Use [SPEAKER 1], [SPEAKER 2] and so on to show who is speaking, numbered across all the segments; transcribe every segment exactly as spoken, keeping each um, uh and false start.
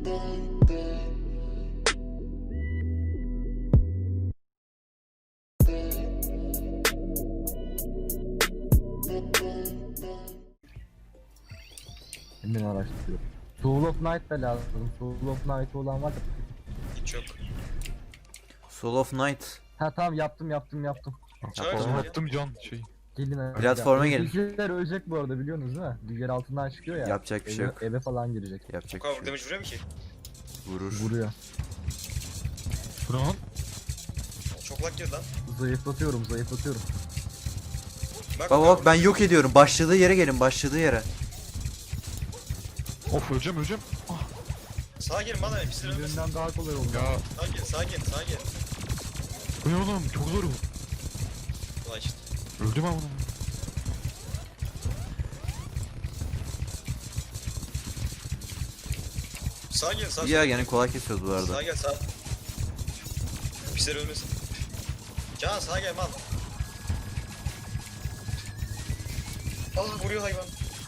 [SPEAKER 1] Hemen araştırıyorum. Soul of Night da lazım. Soul of Night olan var da.
[SPEAKER 2] Hiç yok.
[SPEAKER 3] Soul of Night.
[SPEAKER 1] Ha tamam yaptım yaptım yaptım.
[SPEAKER 2] Çağır
[SPEAKER 3] Tamam.
[SPEAKER 2] çağır.
[SPEAKER 4] Attım can şey.
[SPEAKER 1] Gelin hadi.
[SPEAKER 3] Platforma gelin.
[SPEAKER 1] Bizler ölecek bu arada biliyorsunuz değil mi? Yer altından çıkıyor ya.
[SPEAKER 3] Yapacak bir şey
[SPEAKER 1] eve,
[SPEAKER 3] yok.
[SPEAKER 1] eve falan girecek.
[SPEAKER 3] Yapacak
[SPEAKER 2] Bu
[SPEAKER 3] bir
[SPEAKER 2] kadar
[SPEAKER 3] şey yok.
[SPEAKER 2] damage vuruyor mu ki?
[SPEAKER 3] Vurur.
[SPEAKER 1] Vuruyor.
[SPEAKER 4] Bu ne lan?
[SPEAKER 2] Çok lag girdi lan.
[SPEAKER 1] Zayıflatıyorum zayıflatıyorum.
[SPEAKER 2] Bak
[SPEAKER 3] Bak bak ben yok ediyorum. Başladığı yere gelin. Başladığı yere.
[SPEAKER 4] Of öleceğim öleceğim.
[SPEAKER 2] Sağa gelin bana bir sürü ölmesin.
[SPEAKER 1] Birinden daha kolay oldu.
[SPEAKER 4] Ya
[SPEAKER 2] Sağa gel sağa gel sağa gel.
[SPEAKER 4] bu ne oğlum çok zor bu.
[SPEAKER 2] Ulan işte.
[SPEAKER 4] Öldüm ama.
[SPEAKER 2] Sağa gel sağa.
[SPEAKER 3] Ya gene kolay kesiyoruz bu arada.
[SPEAKER 2] Sağa gel sağa. Pisler ölmesin. Can sağa gel mal. Ah vuruyor hayvan.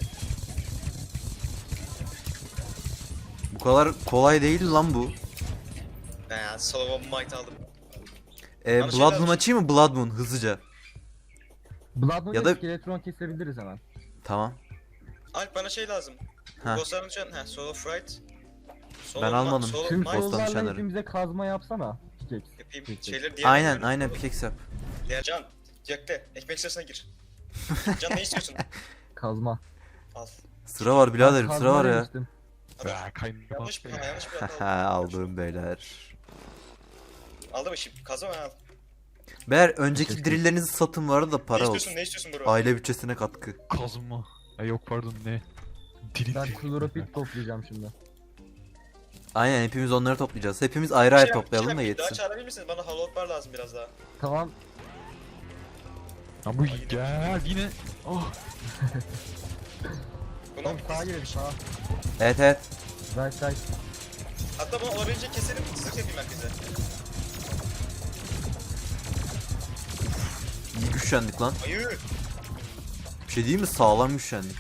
[SPEAKER 3] Bu kadar kolay değil lan bu.
[SPEAKER 2] Ben Solomon Might aldım.
[SPEAKER 3] Ee,
[SPEAKER 2] Bana şey
[SPEAKER 3] Blood
[SPEAKER 2] lazım.
[SPEAKER 3] Moon açayım mı? Blood Moon hızlıca.
[SPEAKER 1] Blood Moon'da
[SPEAKER 3] Ya da-
[SPEAKER 1] Skeletron kesebiliriz hemen.
[SPEAKER 3] Tamam.
[SPEAKER 2] Alp bana şey lazım.
[SPEAKER 3] Ha.
[SPEAKER 2] Bossların şu an he Soul of Fright. Soul
[SPEAKER 3] Ben
[SPEAKER 2] of
[SPEAKER 3] almadım.
[SPEAKER 2] Ma- Soul of
[SPEAKER 1] Tüm
[SPEAKER 2] Might.
[SPEAKER 3] Boss'tan
[SPEAKER 1] soul'larla
[SPEAKER 3] nişanları.
[SPEAKER 1] hepimize kazma yapsana. Pickaxe.
[SPEAKER 2] Yapayım.
[SPEAKER 1] Peki.
[SPEAKER 2] Şeyleri diğer
[SPEAKER 3] Aynen aynen pickaxe yap.
[SPEAKER 2] Diğer Can. Yakte. Ekmek sırasına gir. Can ne istiyorsun?
[SPEAKER 1] Kazma.
[SPEAKER 2] Al.
[SPEAKER 3] Sıra var biraderim
[SPEAKER 1] Kazma
[SPEAKER 3] sıra var ya.
[SPEAKER 1] demiştim.
[SPEAKER 4] Ya kaynama.
[SPEAKER 2] Yanlış bir hata yanlış bir hata oldu.
[SPEAKER 3] Haha aldım beyler.
[SPEAKER 2] Aldı mı şimdi? Kazma ben al.
[SPEAKER 3] Beyler önceki drilllerinizi satın var da para
[SPEAKER 2] ne
[SPEAKER 3] olsun.
[SPEAKER 2] istiyorsun ne istiyorsun bro?
[SPEAKER 3] Aile bütçesine katkı.
[SPEAKER 4] Kazma. Ay yok pardon ne? Diri
[SPEAKER 1] Ben
[SPEAKER 4] diri.
[SPEAKER 1] kloropit toplayacağım şimdi.
[SPEAKER 3] Aynen hepimiz onları toplayacağız. Hepimiz ayrı ayrı toplayalım da
[SPEAKER 2] Daha
[SPEAKER 3] yetsin.
[SPEAKER 2] çağırabilir misiniz? Bana hollow bar lazım biraz daha.
[SPEAKER 1] Tamam.
[SPEAKER 4] Lan bu gel yine. Oh.
[SPEAKER 2] Bunu
[SPEAKER 1] Tamam sağa girelim sağa.
[SPEAKER 3] Evet evet.
[SPEAKER 1] Right right.
[SPEAKER 2] hatta bunu olabildiğince keselim. Zırh yapayım herkese.
[SPEAKER 3] İyi güçlendik lan.
[SPEAKER 2] Hayır.
[SPEAKER 3] Bir şey değil mi? Sağlam güçlendik.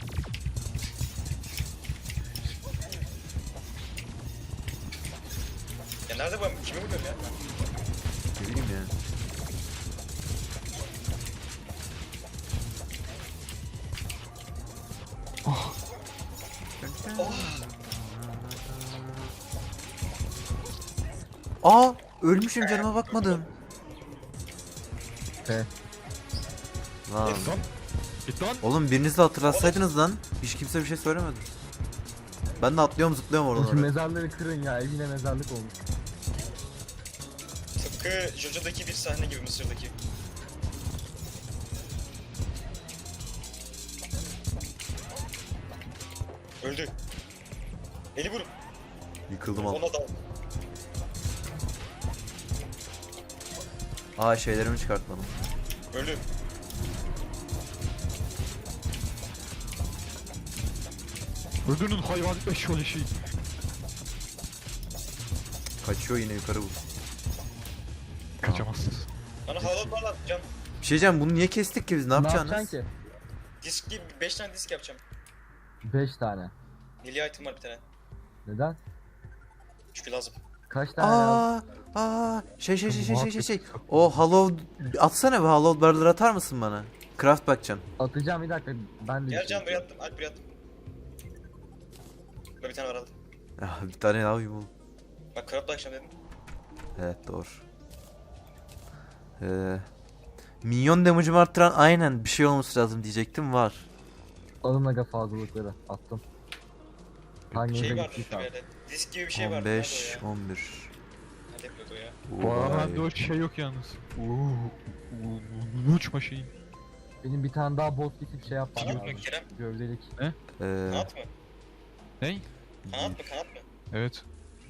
[SPEAKER 2] Ya nerede bu? Kimi vuruyorum ya?
[SPEAKER 3] Ne bileyim yani. Aa, ölmüşüm canıma bakmadım.
[SPEAKER 1] He.
[SPEAKER 3] Lan.
[SPEAKER 4] Git lan. Git lan.
[SPEAKER 3] Oğlum biriniz de hatırlatsaydınız lan. Hiç kimse bir şey söylemedi. Ben de atlıyorum zıplıyorum oradan
[SPEAKER 1] Şu
[SPEAKER 3] oraya.
[SPEAKER 1] mezarları kırın ya evine mezarlık olmuş.
[SPEAKER 2] Tıpkı JoJo'daki bir sahne gibi Mısır'daki. Öldü. Beni vurun.
[SPEAKER 3] Yıkıldım al.
[SPEAKER 2] Ona da.
[SPEAKER 3] Aa şeylerimi çıkartmadım.
[SPEAKER 2] Öldü.
[SPEAKER 4] Öldürün hayvan eşyol şey.
[SPEAKER 3] Kaçıyor yine yukarı bu.
[SPEAKER 4] Kaçamazsınız.
[SPEAKER 2] Bana hollow bar lazım Can.
[SPEAKER 3] Bir şey diyeceğim bunu niye kestik ki biz ne
[SPEAKER 1] Ne
[SPEAKER 3] yapacaksınız?
[SPEAKER 1] yapacaksın ki?
[SPEAKER 2] Disk gibi beş tane disk yapacağım.
[SPEAKER 1] beş tane.
[SPEAKER 2] Milli item var bir tane.
[SPEAKER 1] Neden?
[SPEAKER 2] Çünkü lazım.
[SPEAKER 1] Kaç tane lazım?
[SPEAKER 3] Aa, aa, şey şey şey şey şey şey şey. O hollow atsana bir hollow barrel'ları atar mısın bana? Craft bakacağım.
[SPEAKER 1] Atacağım bir dakika. Ben de
[SPEAKER 2] Gel
[SPEAKER 1] bir
[SPEAKER 2] Can
[SPEAKER 1] şey
[SPEAKER 2] buraya attım. Alp buraya attım. Burada bir tane var aldım.
[SPEAKER 3] Ah, bir tane daha uyum oğlum.
[SPEAKER 2] Bak craft'la akşam dedim.
[SPEAKER 3] Evet doğru. Ee, minyon damage'ımı arttıran aynen bir şey olması lazım diyecektim var.
[SPEAKER 1] Alın aga fazlalıkları. Attım. Hanginize
[SPEAKER 2] Şey var
[SPEAKER 1] gittiyse
[SPEAKER 2] işte
[SPEAKER 1] al.
[SPEAKER 2] böyle. Disk gibi bir şey var.
[SPEAKER 3] on beş, on bir.
[SPEAKER 2] Nerede yapıyordu o ya?
[SPEAKER 4] Bu arada o şey yok yalnız. Uuu. Uçma şeyin.
[SPEAKER 1] Benim bir tane daha bot kesip şey yapmam
[SPEAKER 2] Kanat mı
[SPEAKER 1] lazım.
[SPEAKER 2] Kerem?
[SPEAKER 1] Gövdelik.
[SPEAKER 3] Ee,
[SPEAKER 2] Kanat mı?
[SPEAKER 4] Ney?
[SPEAKER 2] Kanat mı? Kanat mı?
[SPEAKER 4] Evet.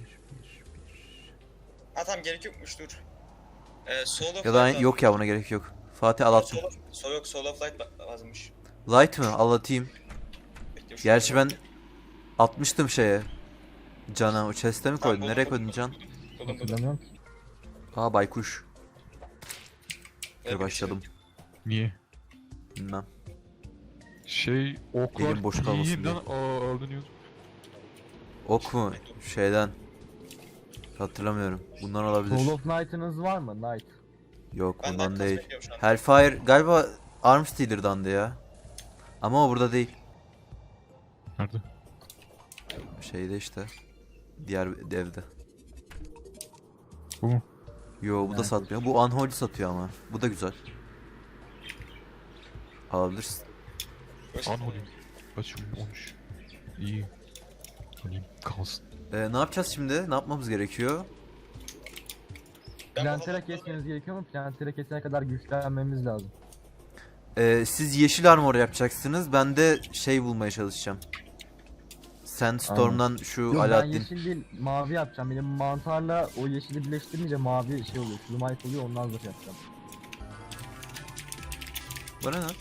[SPEAKER 2] Ha tamam gerek yokmuş dur. Ee, Soul of
[SPEAKER 3] ya da
[SPEAKER 2] Light
[SPEAKER 3] yok ya buna gerek yok. Fatih al attım.
[SPEAKER 2] Soul of, Soul yok Soul of Light ba- lazımmış.
[SPEAKER 3] Light mı? Al atayım.
[SPEAKER 2] Bekle, şu
[SPEAKER 3] Gerçi
[SPEAKER 2] an-
[SPEAKER 3] ben atmıştım şeye. Cana o chest'e mi koydun?
[SPEAKER 2] Tamam,
[SPEAKER 3] Nereye
[SPEAKER 2] buldum,
[SPEAKER 3] koydun Can?
[SPEAKER 2] buldum, buldum, buldum.
[SPEAKER 1] Hatırlamıyorum ki.
[SPEAKER 3] Aa baykuş.
[SPEAKER 2] Evet,
[SPEAKER 3] Dur başladım.
[SPEAKER 4] Niye?
[SPEAKER 3] Bilmem.
[SPEAKER 4] Şey oklar
[SPEAKER 3] Elim boş kalmasın
[SPEAKER 4] tiyinden
[SPEAKER 3] diye.
[SPEAKER 4] alınıyordu.
[SPEAKER 3] Ok mu? Şeyden. Hatırlamıyorum. Bundan olabilir.
[SPEAKER 1] Soul of Knight'ınız var mı? Knight.
[SPEAKER 3] Yok
[SPEAKER 2] Ben
[SPEAKER 3] bundan
[SPEAKER 2] Night
[SPEAKER 3] değil.
[SPEAKER 2] bekliyorum şu an.
[SPEAKER 3] Hellfire galiba Arm Stealer'dandı ya. Ama o burada değil.
[SPEAKER 4] Nerede?
[SPEAKER 3] Şeyde işte. Diğer devde.
[SPEAKER 4] Bu mu?
[SPEAKER 3] Yo bu da
[SPEAKER 1] Evet.
[SPEAKER 3] satmıyor. Bu Unholy satıyor ama. Bu da güzel. Alabilirsin.
[SPEAKER 2] Burası-
[SPEAKER 4] Unholy. Kaç on üç. İyi. Alayım kalsın.
[SPEAKER 3] Ee, ne yapacağız şimdi? Ne yapmamız gerekiyor?
[SPEAKER 2] Ben
[SPEAKER 1] Plantera
[SPEAKER 2] bu-
[SPEAKER 1] kesmeniz gerekiyor mu? Plantera kesene kadar güçlenmemiz lazım.
[SPEAKER 3] Ee, siz yeşil armor yapacaksınız. Ben de şey bulmaya çalışacağım. Sandstorm'dan şu
[SPEAKER 1] Yok ben
[SPEAKER 3] Aladdin.
[SPEAKER 1] yeşil değil mavi yapacağım. Benim mantarla o yeşili birleştirince mavi şey oluyor. Slumite oluyor ondan zırh yapacağım.
[SPEAKER 3] Bana ne?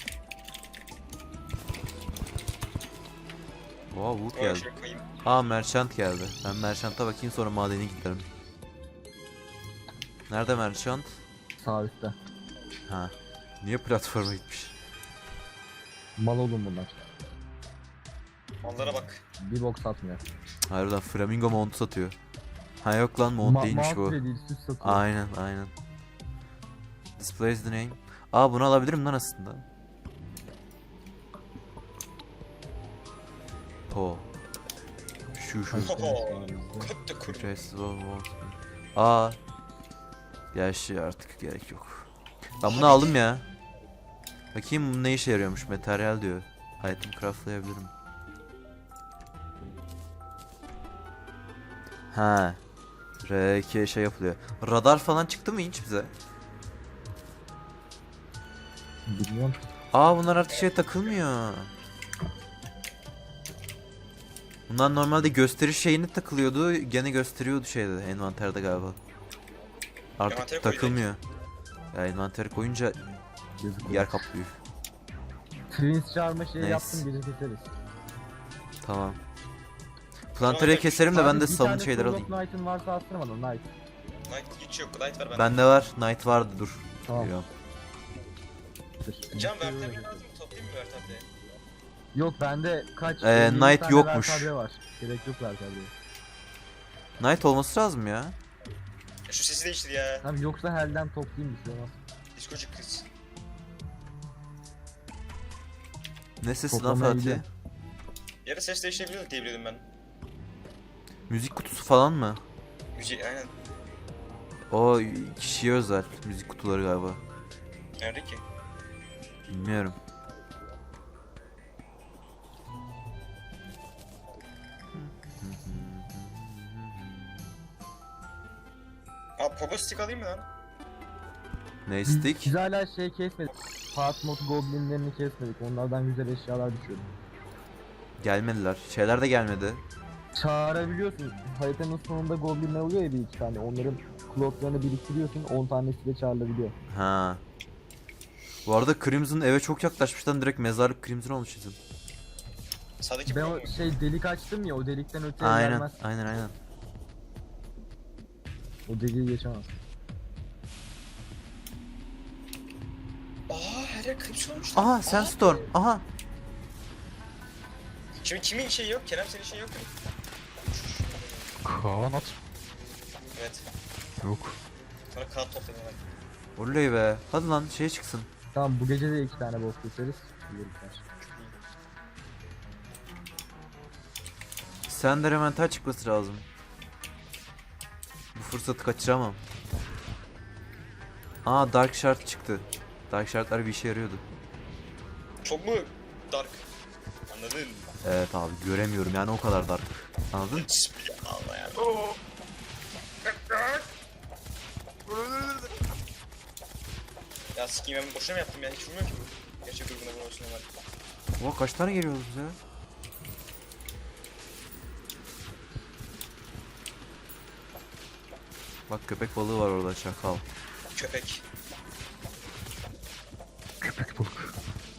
[SPEAKER 3] Wow, Wood
[SPEAKER 2] Oraya
[SPEAKER 3] geldi.
[SPEAKER 2] şey koyayım.
[SPEAKER 3] Aa Merchant geldi. Ben Merchant'a bakayım sonra madene giderim. Nerede Merchant?
[SPEAKER 1] Sağ üstte.
[SPEAKER 3] Ha. Niye platforma gitmiş?
[SPEAKER 1] Mal olun bunlar.
[SPEAKER 2] Mallara bak.
[SPEAKER 1] Bir bok satmıyor.
[SPEAKER 3] Harbiden Flamingo mount satıyor. Ha yok lan mount
[SPEAKER 1] Ma
[SPEAKER 3] değilmiş
[SPEAKER 1] mount
[SPEAKER 3] bu.
[SPEAKER 1] bile değil süs satıyor.
[SPEAKER 3] Aynen aynen. Displays the name. Aa bunu alabilirim lan aslında. Po. Şu şu.
[SPEAKER 2] Oho. Kuttu kuru.
[SPEAKER 3] Traces of Wall. Aa. Gerçi artık gerek yok. Ben bunu aldım ya. Bakayım bu ne işe yarıyormuş. Materyal diyor. Item craftlayabilirim. Ha. R iki şey yapılıyor. Radar falan çıktı mı hiç bize?
[SPEAKER 1] Bilmiyorum.
[SPEAKER 3] Aa bunlar artık şeye takılmıyor. Bunlar normalde gösteriş şeyine takılıyordu. Gene gösteriyordu şeyde envanterde galiba. Artık
[SPEAKER 2] Envantere koy
[SPEAKER 3] takılmıyor. Ya envantere koyunca
[SPEAKER 1] Yazık
[SPEAKER 3] yer
[SPEAKER 1] olur.
[SPEAKER 3] kaplıyor.
[SPEAKER 1] Twins çağırma şeyi
[SPEAKER 3] Neyse.
[SPEAKER 1] yaptım gece keseriz.
[SPEAKER 3] Tamam. Planter'e keserim de ben de
[SPEAKER 1] Abi bir
[SPEAKER 3] savun
[SPEAKER 1] tane
[SPEAKER 3] şeyler
[SPEAKER 1] Soul of
[SPEAKER 3] alayım.
[SPEAKER 1] Knight'ın varsa atsana bana Knight.
[SPEAKER 2] Night hiç yok. Night var bende.
[SPEAKER 3] Bende var. Knight vardı dur.
[SPEAKER 1] Tamam.
[SPEAKER 3] Biliyorum.
[SPEAKER 1] Dur.
[SPEAKER 2] Can vertebre lazım mı? Toplayayım mı vertebre?
[SPEAKER 1] Yok bende kaç?
[SPEAKER 3] Ee,
[SPEAKER 1] elli
[SPEAKER 3] Knight
[SPEAKER 1] tane
[SPEAKER 3] yokmuş.
[SPEAKER 1] vertebre var. Gerek yok vertebreye.
[SPEAKER 3] Knight olması lazım ya.
[SPEAKER 2] Ya şu sesi değiştir ya.
[SPEAKER 1] Tamam yoksa Hell'den toplayayım bir şey olmaz.
[SPEAKER 2] Diskocuk kız.
[SPEAKER 3] Ne sesi lan
[SPEAKER 1] Toplamaya
[SPEAKER 3] Fatih?
[SPEAKER 1] gidiyor.
[SPEAKER 2] Yarı ses değiştirebiliyorduk diye biliyordum ben.
[SPEAKER 3] Müzik kutusu falan mı?
[SPEAKER 2] Müziği aynen.
[SPEAKER 3] O kişiye özel müzik kutuları galiba.
[SPEAKER 2] Nerede ki?
[SPEAKER 3] Bilmiyorum.
[SPEAKER 2] Aa pogo stick alayım mı lan?
[SPEAKER 3] Ne
[SPEAKER 1] Biz,
[SPEAKER 3] stick?
[SPEAKER 1] biz hala şey kesmedik. Fast mod goblinlerini kesmedik. Onlardan güzel eşyalar düşüyordu.
[SPEAKER 3] Gelmediler. Şeyler de gelmedi.
[SPEAKER 1] Çağırabiliyorsun. Haritanın sonunda goblinler oluyor ya bir iki tane. Onların klotlarını biriktiriyorsun. on tanesi de çağrılabiliyor.
[SPEAKER 3] Ha. Bu arada Crimson eve çok yaklaşmıştan direkt mezarlık Crimson olmuş bizim.
[SPEAKER 2] Sağdaki
[SPEAKER 1] Ben
[SPEAKER 2] pogo
[SPEAKER 1] o
[SPEAKER 2] mu?
[SPEAKER 1] şey delik açtım ya o delikten öteye
[SPEAKER 3] Aynen,
[SPEAKER 1] gelmez.
[SPEAKER 3] aynen, aynen.
[SPEAKER 1] O deliği geçemez.
[SPEAKER 2] Aa her yer crimson olmuş.
[SPEAKER 3] Aha, Sandstorm. Aha.
[SPEAKER 2] Şimdi kimin şeyi yok? Kerem senin şeyi yok mu?
[SPEAKER 4] Kaan at.
[SPEAKER 2] Evet.
[SPEAKER 4] Yok.
[SPEAKER 2] Sonra kağıt toplayın hemen.
[SPEAKER 3] Oley be. Hadi lan şey çıksın.
[SPEAKER 1] Tamam bu gece de iki tane boss keseriz. Yürürler.
[SPEAKER 3] Sen de elemental çıkması lazım. Bu fırsatı kaçıramam. Aa Dark Shard çıktı. Dark Shard'lar bir işe yarıyordu.
[SPEAKER 2] Çok mu dark? Anladın?
[SPEAKER 3] Evet abi göremiyorum yani o kadar dark. Anladın?
[SPEAKER 2] Allah ya. Ya sikiyim ben boşuna mı yaptım ya? Hiç vurmuyor ki bu. Gerçek grubuna vurmasına var.
[SPEAKER 3] Oha kaç tane geliyoruz bize? Bak köpek balığı var orada şakal.
[SPEAKER 2] Köpek.
[SPEAKER 4] Köpek balık.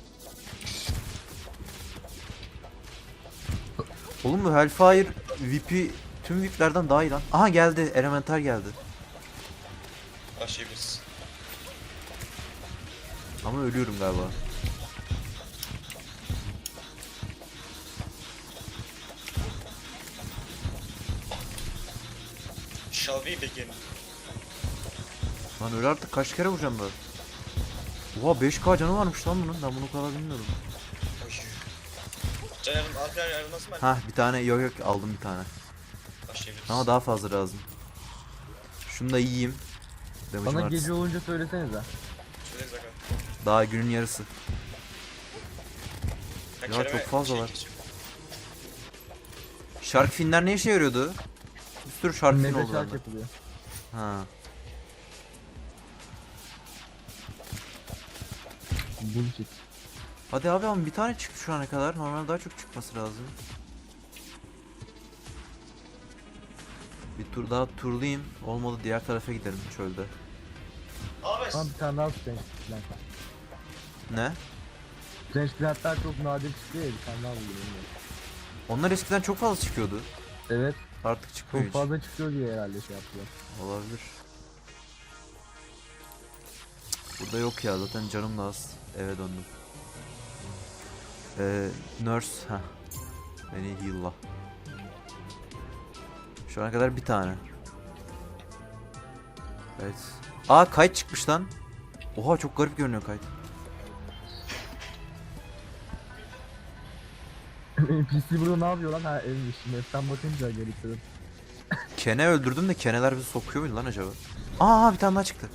[SPEAKER 3] Oğlum bu Hellfire V P tüm V I P'lerden daha iyi lan. Aha geldi. Elementar geldi.
[SPEAKER 2] Başlayabiliriz.
[SPEAKER 3] Ama ölüyorum galiba.
[SPEAKER 2] Shall we begin?
[SPEAKER 3] Lan öyle artık kaç kere vuracağım böyle. Oha beş K canı varmış lan bunun. Ben bunu o kadar bilmiyordum.
[SPEAKER 2] Oy. Can yardım, arka ayrılması mı?
[SPEAKER 3] Hah bir tane yok yok aldım bir tane.
[SPEAKER 2] Başlayabiliriz.
[SPEAKER 3] Ama daha fazla lazım. Şunu da yiyeyim. Damage'ım
[SPEAKER 1] Bana
[SPEAKER 3] artsın.
[SPEAKER 1] gece olunca söylesenize.
[SPEAKER 2] Söyleriz aga.
[SPEAKER 3] Daha günün yarısı.
[SPEAKER 2] Ben
[SPEAKER 3] Ya
[SPEAKER 2] Kerem'e
[SPEAKER 3] çok fazla
[SPEAKER 2] şey
[SPEAKER 3] var.
[SPEAKER 2] geçiyorum.
[SPEAKER 3] Shark finler ne işe yarıyordu? Bir sürü shark fin
[SPEAKER 1] Mega
[SPEAKER 3] oldu
[SPEAKER 1] şark
[SPEAKER 3] bende.
[SPEAKER 1] yapılıyor.
[SPEAKER 3] Ha.
[SPEAKER 1] Bullshit.
[SPEAKER 3] Hadi abi ama bir tane çıktı şu ana kadar. Normal daha çok çıkması lazım. Bir tur daha turlayayım. Olmadı diğer tarafa giderim çölde.
[SPEAKER 2] Abi.
[SPEAKER 1] Ama bir tane daha Strange Plant var.
[SPEAKER 3] Ne?
[SPEAKER 1] Strange Plant'lar çok nadir çıkıyor ya, bir tane daha buluyorum.
[SPEAKER 3] Onlar eskiden çok fazla çıkıyordu.
[SPEAKER 1] Evet,
[SPEAKER 3] Artık çıkmıyor
[SPEAKER 1] çok
[SPEAKER 3] hiç.
[SPEAKER 1] fazla çıkıyor diye herhalde şey yaptılar.
[SPEAKER 3] Olabilir. Burada yok ya zaten canım da az. Eve döndüm. Ee, nurse ha. Beni heal'la. Şu ana kadar bir tane. Evet. Aa kayıt çıkmış lan. Oha çok garip görünüyor kayıt.
[SPEAKER 1] N P C burada ne yapıyor lan? Ha evmiş. Map'ten bakınca gerekiyor.
[SPEAKER 3] Kene öldürdüm de keneler bizi sokuyor muydu lan acaba? Aa bir tane daha çıktı.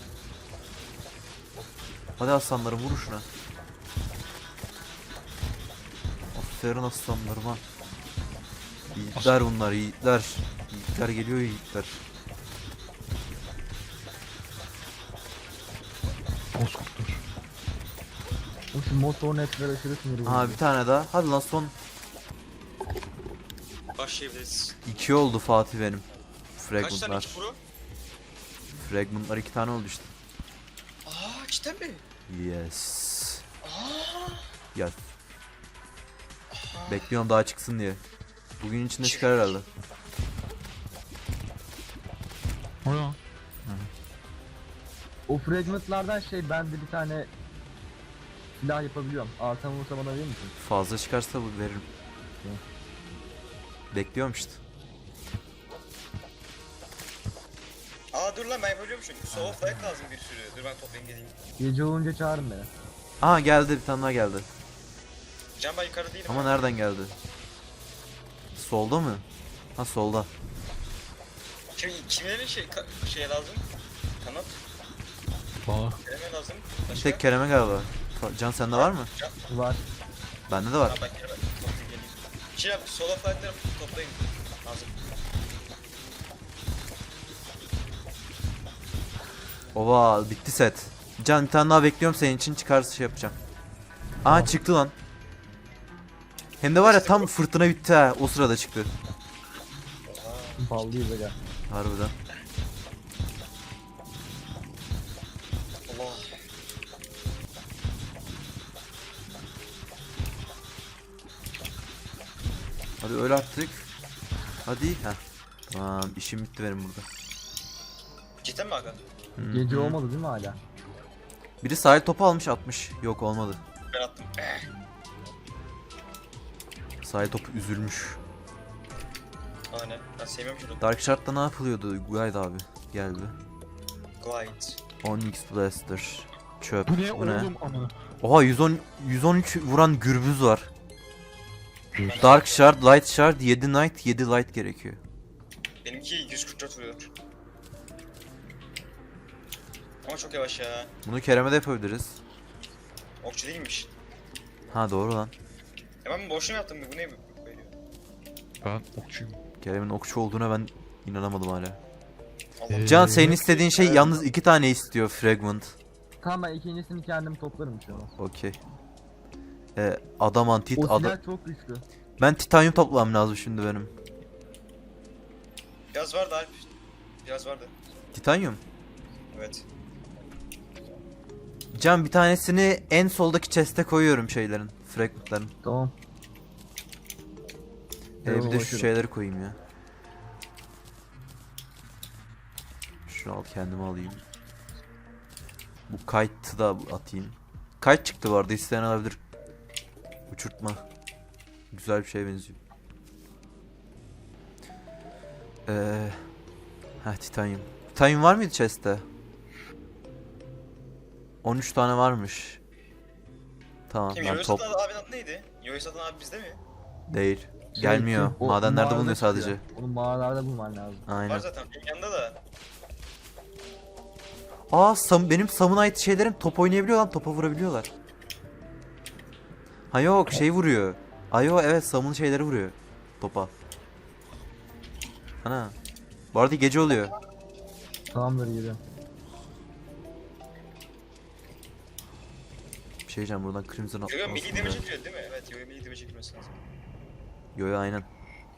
[SPEAKER 3] Hadi aslanlarım vurun şuna. Aferin aslanlarıma. Yiğitler bunlar yiğitler. Yiğitler geliyor yiğitler.
[SPEAKER 4] Bozkurtlar.
[SPEAKER 1] O şu motor netler aşırı sinir bozucu.
[SPEAKER 3] Aha bir tane daha. Hadi lan son.
[SPEAKER 2] Başlayabiliriz.
[SPEAKER 3] iki oldu Fatih benim.
[SPEAKER 2] Kaç tane
[SPEAKER 3] Fragmentlar.
[SPEAKER 2] iki pro?
[SPEAKER 3] Fragmentlar iki tane oldu işte.
[SPEAKER 2] Aa cidden mi?
[SPEAKER 3] Yes.
[SPEAKER 2] Aa.
[SPEAKER 3] Gel. Bekliyorum daha çıksın diye. Bugün içinde çıkar herhalde.
[SPEAKER 4] O ya.
[SPEAKER 1] O fragmentlardan şey, ben de bir tane silah yapabiliyorum. Artan olursa bana verir misin?
[SPEAKER 3] Fazla çıkarsa bu veririm. Bekliyorum işte.
[SPEAKER 2] Aa dur lan ben yapabiliyormuşum. Soğuk dayak lazım bir sürü. Dur ben toplayayım geleyim.
[SPEAKER 1] Gece olunca çağırın beni.
[SPEAKER 3] Aha geldi bir tane daha geldi.
[SPEAKER 2] Can ben yukarıda değilim.
[SPEAKER 3] Ama
[SPEAKER 2] ha.
[SPEAKER 3] nereden geldi? Solda mı? Ha solda.
[SPEAKER 2] Kim, kimlerin şey, ka- şeye lazım? Kanat.
[SPEAKER 4] Bana.
[SPEAKER 2] Kerem'e lazım.
[SPEAKER 3] Bir
[SPEAKER 2] Başka?
[SPEAKER 3] tek Kerem'e galiba. Fa- Can sende var mı?
[SPEAKER 2] Can.
[SPEAKER 1] Var.
[SPEAKER 3] Bende de
[SPEAKER 2] Ha
[SPEAKER 3] var.
[SPEAKER 2] ben Kerem'e toplayayım geleyim. Şey yap, solo fight'ları toplayın. Lazım.
[SPEAKER 3] Ova bitti set. Can bir tane daha bekliyorum senin için çıkarsa şey yapacağım. Aa çıktı lan. Hem de var ya tam fırtına bitti ha. O sırada çıktı.
[SPEAKER 1] Ballıyız aga.
[SPEAKER 3] Harbiden.
[SPEAKER 2] Allah.
[SPEAKER 3] Hadi öyle artık. Hadi. Heh. Tamam işim bitti benim burada.
[SPEAKER 2] Cidden mi aga?
[SPEAKER 3] Hı
[SPEAKER 1] Gece
[SPEAKER 3] hı.
[SPEAKER 1] olmadı değil mi hala?
[SPEAKER 3] Biri sahil topu almış atmış. Yok olmadı.
[SPEAKER 2] Ben attım. Eh.
[SPEAKER 3] Sahil topu üzülmüş.
[SPEAKER 2] Aa ne? Ben sevmiyorum şunu.
[SPEAKER 3] Dark Shard'da ne yapılıyordu? Guide abi geldi.
[SPEAKER 2] Glide.
[SPEAKER 3] Onyx Blaster. Çöp.
[SPEAKER 4] Bu ne oğlum amına?
[SPEAKER 3] Oha yüz on yüz on üç vuran gürbüz var. Dark Shard, Light Shard, yedi Knight, yedi Light gerekiyor.
[SPEAKER 2] Benimki yüz kırk dört vuruyor. Ama çok yavaş ya.
[SPEAKER 3] Bunu Kerem'e de yapabiliriz.
[SPEAKER 2] Okçu değilmiş.
[SPEAKER 3] Ha doğru lan.
[SPEAKER 2] Ya ben boşuna yaptım bu ne böyle?
[SPEAKER 4] Ben okçuyum.
[SPEAKER 3] Kerem'in okçu olduğuna ben inanamadım hala.
[SPEAKER 2] Allah.
[SPEAKER 4] Ee,
[SPEAKER 3] Can senin istediğin şey
[SPEAKER 2] Evet.
[SPEAKER 3] yalnız iki tane istiyor Fragment.
[SPEAKER 1] Tamam, ben ikincisini kendim toplarım şu an.
[SPEAKER 3] Okey. Ee, Adamantit,
[SPEAKER 1] O
[SPEAKER 3] ada
[SPEAKER 1] silah çok güçlü.
[SPEAKER 3] Ben titanyum toplamam lazım şimdi benim.
[SPEAKER 2] Biraz vardı Alp. Biraz vardı.
[SPEAKER 3] Titanyum.
[SPEAKER 2] Evet.
[SPEAKER 3] Can bir tanesini en soldaki chest'e koyuyorum şeylerin, fragmentların.
[SPEAKER 1] Tamam.
[SPEAKER 3] Ee, bir de şu
[SPEAKER 1] ulaşırım.
[SPEAKER 3] şeyleri koyayım ya. Şunu al kendime alayım. Bu kite'ı da atayım. Kite çıktı bu arada, isteyen alabilir. Uçurtma. Güzel bir şeye benziyor. Ee, Heh, titanyum. Titanyum var mıydı chest'te? on üç tane varmış. Tamam
[SPEAKER 2] Kim?
[SPEAKER 3] ben
[SPEAKER 2] Yoyo
[SPEAKER 3] top
[SPEAKER 2] satan abinin adı neydi? Yoyo satan abi bizde mi?
[SPEAKER 3] değil.
[SPEAKER 1] Şey,
[SPEAKER 3] Gelmiyor.
[SPEAKER 1] o
[SPEAKER 3] Madenlerde
[SPEAKER 1] mağarada
[SPEAKER 3] bulunuyor
[SPEAKER 1] çıkıyor.
[SPEAKER 3] sadece.
[SPEAKER 1] Onu mağaralarda bulman lazım.
[SPEAKER 2] Var
[SPEAKER 3] Aynen.
[SPEAKER 2] zaten benim yanında da.
[SPEAKER 3] Aa Sam, benim Sam'ın ait şeylerim top oynayabiliyor lan. Topa vurabiliyorlar. Ha yok şey vuruyor. Ayo evet Sam'ın şeyleri vuruyor. Topa. Ana. Bu arada gece oluyor.
[SPEAKER 1] Tamamdır geliyorum.
[SPEAKER 3] Bir şey diyeceğim buradan Crimson
[SPEAKER 2] Yoyo
[SPEAKER 3] atlamasın
[SPEAKER 2] milli
[SPEAKER 3] be.
[SPEAKER 2] damage çekiyor değil mi? Evet Yoyo milli damage çekilmesi lazım.
[SPEAKER 3] Yo yo aynen.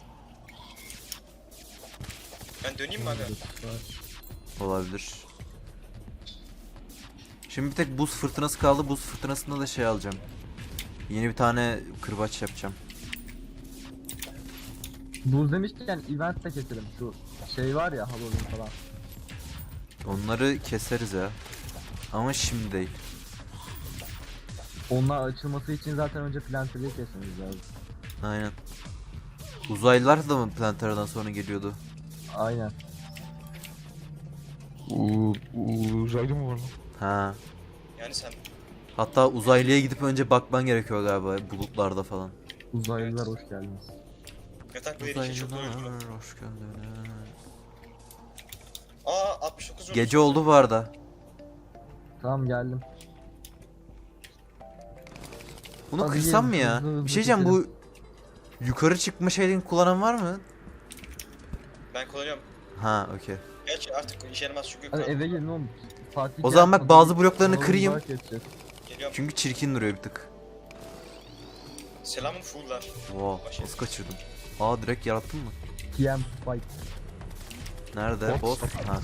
[SPEAKER 2] Ben döneyim mi aga?
[SPEAKER 3] Olabilir. Şimdi bir tek buz fırtınası kaldı. Buz fırtınasında da şey alacağım. Yeni bir tane kırbaç yapacağım.
[SPEAKER 1] Buz demişken event de keselim. Şu şey var ya Halloween falan.
[SPEAKER 3] Onları keseriz ya. Ama şimdi değil.
[SPEAKER 1] Onlar açılması için zaten önce planteriyi kesmemiz lazım.
[SPEAKER 3] Aynen. Uzaylılar da mı Plantera'dan sonra geliyordu?
[SPEAKER 1] Aynen.
[SPEAKER 4] Uuu uzaylı mı var lan?
[SPEAKER 3] Ha.
[SPEAKER 2] Yani sen
[SPEAKER 3] Hatta uzaylıya gidip önce bakman gerekiyor galiba bulutlarda falan.
[SPEAKER 1] Uzaylılar hoş geldiniz.
[SPEAKER 2] yatak böyle iki çok
[SPEAKER 3] Uzaylılar
[SPEAKER 2] doyurdu.
[SPEAKER 3] hoş geldiniz.
[SPEAKER 2] Aa altmış dokuz
[SPEAKER 3] Gece oldu bu arada.
[SPEAKER 1] Tamam geldim.
[SPEAKER 3] Bunu
[SPEAKER 1] Hadi
[SPEAKER 3] kırsam mı
[SPEAKER 1] gelin,
[SPEAKER 3] ya?
[SPEAKER 1] hızlı hızlı
[SPEAKER 3] Bir şey diyeceğim bu
[SPEAKER 1] keselim.
[SPEAKER 3] yukarı çıkma şeyini kullanan var mı?
[SPEAKER 2] Ben kullanıyorum.
[SPEAKER 3] Ha okey.
[SPEAKER 2] Gerçi artık işe yaramaz çünkü
[SPEAKER 1] Hadi
[SPEAKER 2] kullan-
[SPEAKER 1] eve gelin oğlum. Fatih
[SPEAKER 3] O zaman
[SPEAKER 1] gel,
[SPEAKER 3] bak bazı
[SPEAKER 1] Halloween-
[SPEAKER 3] bloklarını
[SPEAKER 1] Halloween
[SPEAKER 3] kırayım.
[SPEAKER 1] olarak geçeceğiz.
[SPEAKER 2] Geliyorum.
[SPEAKER 3] Çünkü çirkin duruyor bir tık.
[SPEAKER 2] Selamın fulllar.
[SPEAKER 3] Wow, nasıl kaçırdım? Aa direkt yarattın mı?
[SPEAKER 1] T M fight.
[SPEAKER 3] Nerede?
[SPEAKER 4] What?
[SPEAKER 3] Boss. Ha.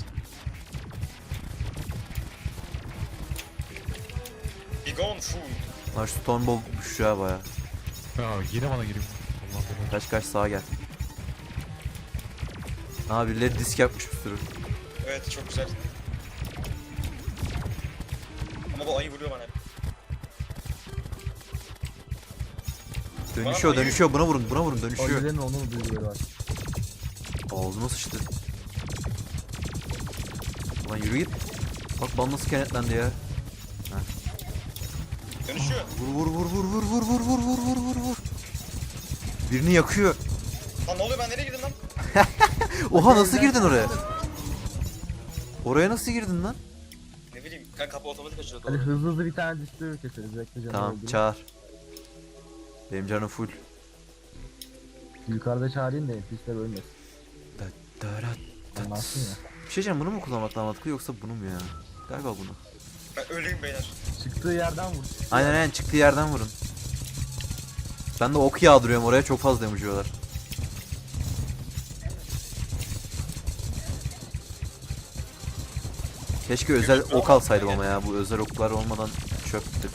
[SPEAKER 2] Be gone full.
[SPEAKER 3] Lan şu Stormbolt düştü ya baya.
[SPEAKER 4] Ya yine bana geliyor. Allah belanı.
[SPEAKER 3] Kaç kaç sağa gel. Aa birileri disk yapmış bir sürü.
[SPEAKER 2] Evet çok güzel. Ama bu ayı vuruyor bana hep.
[SPEAKER 3] Dönüşüyor
[SPEAKER 2] Bana
[SPEAKER 3] dönüşüyor buna vurun buna vurun dönüşüyor.
[SPEAKER 1] Ayıların onun duyguları var.
[SPEAKER 3] Ağzıma sıçtı. Lan yürü git. Bak bana nasıl kenetlendi ya.
[SPEAKER 2] Dönüşüyor.
[SPEAKER 3] Vur vur vur vur vur vur vur vur vur vur vur. Birini yakıyor.
[SPEAKER 2] Lan ne oluyor ben nereye girdim lan?
[SPEAKER 3] Oha nasıl girdin oraya? Oraya nasıl girdin lan?
[SPEAKER 2] Ne bileyim kan kapı otomatik açıyor
[SPEAKER 1] Hadi
[SPEAKER 2] doğru.
[SPEAKER 1] hızlı hızlı bir tane distörü keseriz. Bekle canım.
[SPEAKER 3] Tamam
[SPEAKER 1] öldüreyim.
[SPEAKER 3] çağır. Benim canım full.
[SPEAKER 1] Yukarıda çağırayım da pisler ölmesin. Anlarsın ya.
[SPEAKER 3] Bir şey diyeceğim bunu mu kullanmak daha mantıklı yoksa bunu mu ya? Galiba bunu.
[SPEAKER 2] Ben öleyim beyler.
[SPEAKER 1] Çıktığı yerden vur.
[SPEAKER 3] Aynen aynen çıktığı yerden vurun. Ben de ok yağdırıyorum oraya çok fazla damage yiyorlar. Keşke özel ok alsaydım ama ya bu özel oklar olmadan çöktük.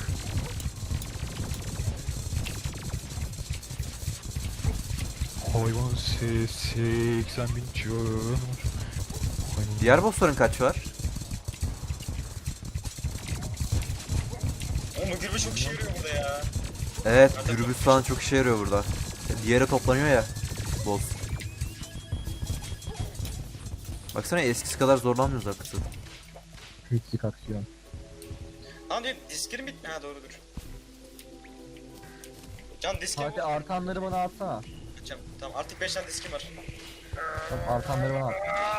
[SPEAKER 4] Hayvan se- seksen bin canı var. Hayvan.
[SPEAKER 3] Diğer bossların kaç var?
[SPEAKER 2] Oğlum bu gürbüz çok işe yarıyor burada ya.
[SPEAKER 3] Evet gürbüz falan çok işe yarıyor burada. Diğeri toplanıyor ya boss. Baksana eskisi kadar zorlanmıyoruz artık.
[SPEAKER 1] Hiçlik aksiyon.
[SPEAKER 2] Lan diyor diskerim bit... Ha doğrudur. Can diskim
[SPEAKER 1] Fatih artanları bana atsana.
[SPEAKER 2] Atacağım. Tamam artık beş tane diskim var.
[SPEAKER 1] Tamam, artanları bana at.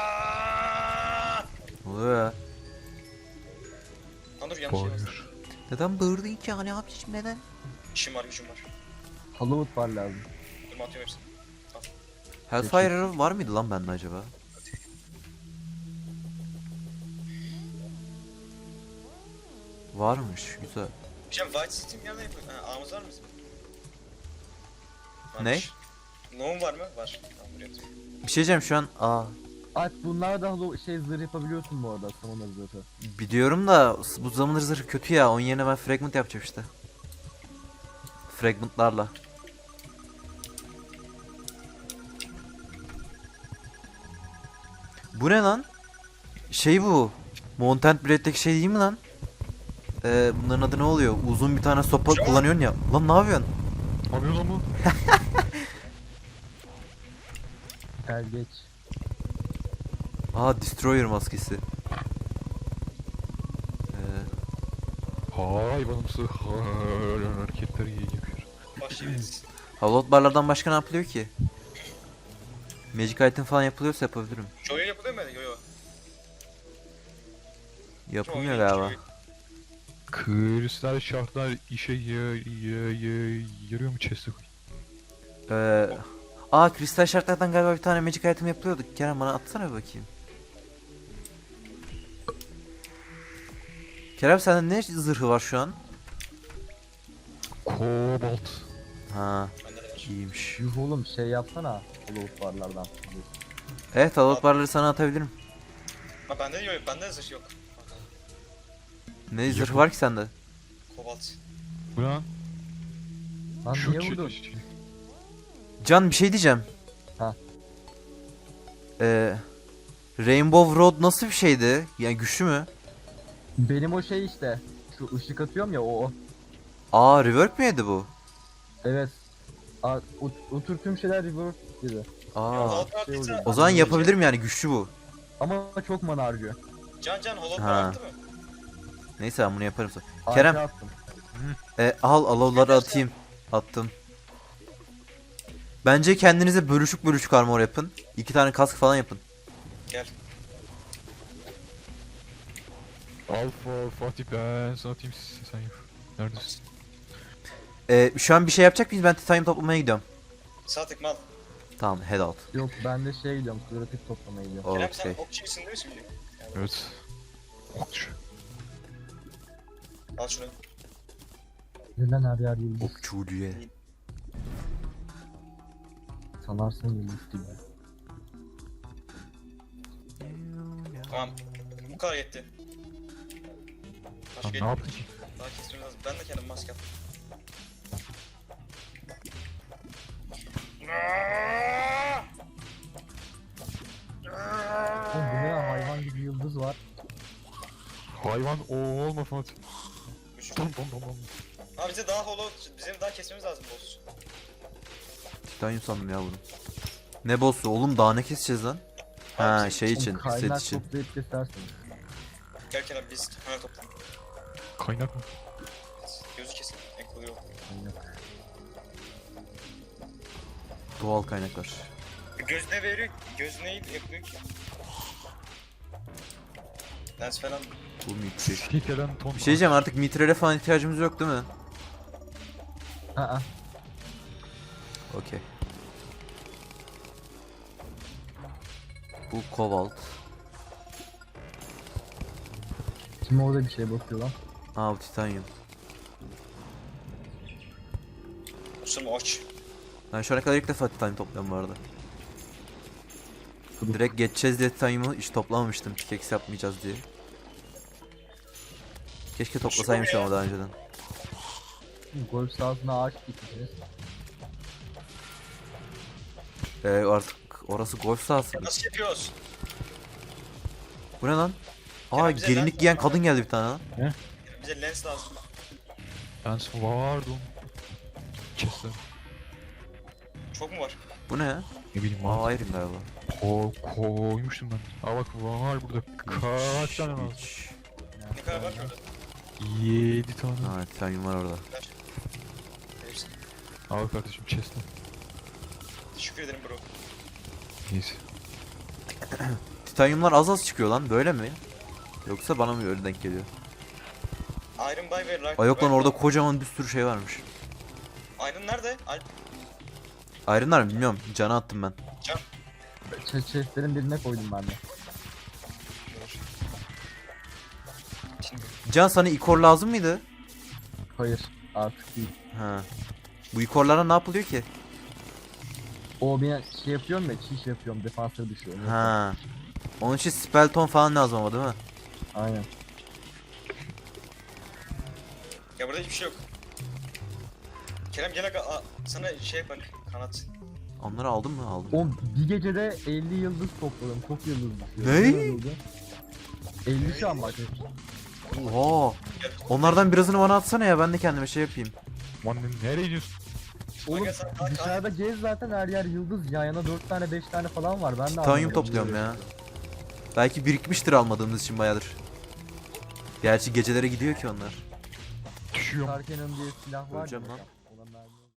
[SPEAKER 3] Ne oluyor ya?
[SPEAKER 2] Lan dur yanlış şey yazdım.
[SPEAKER 4] Hayır.
[SPEAKER 3] Neden bağırdın ki hani abiciğim neden?
[SPEAKER 2] İşim var gücüm var.
[SPEAKER 1] Halloween var lazım.
[SPEAKER 2] Dur atıyorum hepsini.
[SPEAKER 3] Hellfire var mıydı lan bende acaba? Varmış güzel.
[SPEAKER 2] Hocam White City nereden yapıyor? Ha ağımız var mı bizim?
[SPEAKER 3] Ne?
[SPEAKER 2] Varmış. No'un var mı? Var. Tamam buraya atıyorum.
[SPEAKER 3] Bir şey diyeceğim şu an. Aa
[SPEAKER 1] At bunlar da Hallow şey zırh yapabiliyorsun bu arada. Samanları zırhı.
[SPEAKER 3] biliyorum da bu zamanlar zırhı kötü ya. Onun yerine ben fragment yapacağım işte. Fragmentlarla. Bu ne lan? Şey bu. Mountain Blade'deki şey değil mi lan? Ee, bunların adı ne oluyor? Uzun bir tane sopa
[SPEAKER 2] Şu an-
[SPEAKER 3] kullanıyorsun ya. Lan ne yapıyorsun?
[SPEAKER 4] Ne yapıyorsun lan bu?
[SPEAKER 1] Gel geç.
[SPEAKER 3] Aa Destroyer maskesi. Ee,
[SPEAKER 4] Hayvanımsı hareketler yapıyor.
[SPEAKER 2] Başlayabiliriz.
[SPEAKER 3] Halot barlardan başka ne yapılıyor ki? Magic item falan yapılıyorsa yapabilirim.
[SPEAKER 2] Şu oyun yapılıyor mu? Yo yo.
[SPEAKER 3] Yapılmıyor
[SPEAKER 2] Şu oyun-
[SPEAKER 3] galiba.
[SPEAKER 2] şu oyun-
[SPEAKER 4] Kristal şartlar işe ya, ya, ya, yarıyor mu chest'e koy?
[SPEAKER 3] Ee, aa kristal şartlardan galiba bir tane magic item yapılıyordu. Kerem bana atsana bir bakayım. Kerem sende ne zırhı var şu an?
[SPEAKER 4] Kobalt.
[SPEAKER 3] Ha,
[SPEAKER 2] Bende de var.
[SPEAKER 3] iyiymiş.
[SPEAKER 1] Yuh oğlum şey yapsana. Hollow barlardan.
[SPEAKER 3] Evet halot barları sana atabilirim.
[SPEAKER 2] Ha bende de yok. Bende de zırh yok.
[SPEAKER 3] Ne zırhı var ki sende?
[SPEAKER 2] Kobalt.
[SPEAKER 4] Bu lan.
[SPEAKER 1] Lan
[SPEAKER 4] Şu
[SPEAKER 1] niye
[SPEAKER 4] ki-
[SPEAKER 1] vurdun?
[SPEAKER 3] Can bir şey diyeceğim.
[SPEAKER 1] Ha.
[SPEAKER 3] Ee, Rainbow Road nasıl bir şeydi? Yani güçlü mü?
[SPEAKER 1] Benim o şey işte. Şu ışık atıyorum ya o. o.
[SPEAKER 3] Aa rework mi yedi bu?
[SPEAKER 1] Evet. A, o, o tür tüm şeyler reverse gibi.
[SPEAKER 3] Aa.
[SPEAKER 2] Hollow
[SPEAKER 1] şey
[SPEAKER 2] Bar
[SPEAKER 1] oluyor.
[SPEAKER 2] bitti.
[SPEAKER 3] O zaman yapabilirim yani güçlü bu.
[SPEAKER 1] Ama çok mana harcıyor.
[SPEAKER 2] Can Can Hollow
[SPEAKER 3] Ha.
[SPEAKER 2] Bar attı mı?
[SPEAKER 3] Neyse ben bunu yaparım sonra.
[SPEAKER 1] Harika
[SPEAKER 3] Kerem.
[SPEAKER 1] attım.
[SPEAKER 3] E, al alovları atayım. Attım. Bence kendinize bölüşük bölüşük armor yapın. İki tane kask falan yapın.
[SPEAKER 2] Gel.
[SPEAKER 4] Alfa Fatih ben sana atayım sen yap. Neredesin?
[SPEAKER 3] E, şu an bir şey yapacak mıyız? Ben titanium toplamaya gidiyorum.
[SPEAKER 2] Sağ tıkma al.
[SPEAKER 3] Tamam head out.
[SPEAKER 1] Yok ben de şeye gidiyorum. Klorofik toplamaya gidiyorum.
[SPEAKER 2] Kerem sen
[SPEAKER 3] Okey.
[SPEAKER 2] okçu musun değil mi şimdi?
[SPEAKER 4] Evet. Okçu.
[SPEAKER 2] Al şunu.
[SPEAKER 1] Neden her yer yıldız?
[SPEAKER 3] Okçuluğe.
[SPEAKER 1] Sanarsın yıldız gibi.
[SPEAKER 2] Tamam. Bu kadar yetti. Başka
[SPEAKER 4] Lan ne yaptın ki?
[SPEAKER 2] daha kesmemiz lazım. Ben de kendim maske yaptım.
[SPEAKER 1] Oğlum bu ne ya, hayvan gibi yıldız var.
[SPEAKER 4] Hayvan o olma Fatih.
[SPEAKER 2] Üç.
[SPEAKER 4] Dom dom dom dom.
[SPEAKER 2] Abi bize daha hollow, bizim daha kesmemiz lazım boss.
[SPEAKER 3] Titanium sandım ya bunu. Ne boss'u oğlum daha ne keseceğiz lan? Ha
[SPEAKER 2] Abi,
[SPEAKER 3] şey için,
[SPEAKER 1] Oğlum,
[SPEAKER 3] set
[SPEAKER 1] kaynak
[SPEAKER 3] için.
[SPEAKER 1] toplayıp kesersin.
[SPEAKER 2] Gel Kerem biz hemen toplan.
[SPEAKER 4] Kaynak mı?
[SPEAKER 2] Gözü kesin. En kolay o.
[SPEAKER 1] Kaynak.
[SPEAKER 3] Doğal kaynaklar.
[SPEAKER 2] Göz ne veriyor? Göz neyi yapıyor ki? Lens falan.
[SPEAKER 3] Bu mitri.
[SPEAKER 4] Sikelen ton.
[SPEAKER 3] Bir şey diyeceğim artık mitrele falan ihtiyacımız yok değil mi?
[SPEAKER 1] Aa.
[SPEAKER 3] Okey. Bu kobalt.
[SPEAKER 1] Kim orada bir şey bakıyor lan?
[SPEAKER 3] Aa bu titanium.
[SPEAKER 2] Usum aç.
[SPEAKER 3] Ben şu ana kadar ilk defa titanium topluyorum bu arada.
[SPEAKER 1] Kuduk.
[SPEAKER 3] Direkt geçeceğiz diye titanium'u hiç toplamamıştım. Pickaxe yapmayacağız diye. Keşke toplasaymışım ama daha önceden.
[SPEAKER 1] Golf sahasına ağaç dikmişiz.
[SPEAKER 3] Ee, artık orası golf sahası.
[SPEAKER 2] Nasıl yapıyoruz?
[SPEAKER 3] Bu ne lan? Aa
[SPEAKER 2] Kerem bize
[SPEAKER 3] gelinlik
[SPEAKER 2] lens
[SPEAKER 3] giyen
[SPEAKER 2] lazım.
[SPEAKER 3] kadın geldi bir tane lan.
[SPEAKER 2] Bize lens lazım.
[SPEAKER 4] Ben vardım. Chest'ler.
[SPEAKER 2] Çok mu var?
[SPEAKER 3] Bu ne ya?
[SPEAKER 4] Ne bileyim
[SPEAKER 3] Aa
[SPEAKER 4] var.
[SPEAKER 3] Iron galiba.
[SPEAKER 4] Ko koymuştum ben. Aa bak var burada. Kaç tane lazım?
[SPEAKER 3] Hiç.
[SPEAKER 2] Ne kadar var ki orada?
[SPEAKER 4] Yedi tane.
[SPEAKER 3] Ha titanium var orada.
[SPEAKER 2] Ver. Hepsi.
[SPEAKER 4] Al kardeşim chest'ler.
[SPEAKER 2] Teşekkür ederim bro.
[SPEAKER 4] Neyse.
[SPEAKER 3] Titaniumlar az az çıkıyor lan böyle mi? Yoksa bana mı öyle denk geliyor?
[SPEAKER 2] Iron Buy ve Rock.
[SPEAKER 3] Ay yok lan orada kocaman bir sürü şey varmış.
[SPEAKER 2] Iron nerede? Alp.
[SPEAKER 3] Iron'lar mı bilmiyorum. Cana attım ben.
[SPEAKER 2] Can.
[SPEAKER 1] Chestlerin birine koydum ben de.
[SPEAKER 2] Şimdi.
[SPEAKER 3] Can sana ikor lazım mıydı?
[SPEAKER 1] Hayır artık değil.
[SPEAKER 3] Ha. Bu ikorlara ne yapılıyor ki?
[SPEAKER 1] O bir şey yapıyorum ya, çiş yapıyorum, defansa düşüyor.
[SPEAKER 3] Ha. Onun için spellton falan lazım ama değil mi?
[SPEAKER 1] Aynen.
[SPEAKER 2] Ya burada hiçbir şey yok. Kerem gel aga a- sana şey yaparım. Kanat.
[SPEAKER 3] Onları aldın mı? Aldım.
[SPEAKER 1] O bir gecede elli yıldız topladım. Çok yıldız düşüyor.
[SPEAKER 3] Ne?
[SPEAKER 1] yıldız? elli şu an bak.
[SPEAKER 3] Oha. Onlardan birazını bana atsana ya ben de kendime şey yapayım.
[SPEAKER 4] Lan nereye gidiyorsun?
[SPEAKER 1] Oğlum
[SPEAKER 2] Aga sen kalk
[SPEAKER 1] dışarıda gez zaten, her yer yıldız. Yan yana dört tane beş tane falan var. Ben de
[SPEAKER 3] Titanium
[SPEAKER 1] anlamadım.
[SPEAKER 3] topluyorum ya. Belki birikmiştir almadığımız için bayağıdır. Gerçi gecelere gidiyor ki onlar.
[SPEAKER 4] Düşüyorum.
[SPEAKER 1] Sarken'ın diye silah var.
[SPEAKER 3] Öleceğim
[SPEAKER 1] ya,
[SPEAKER 3] lan.
[SPEAKER 1] ona mermi-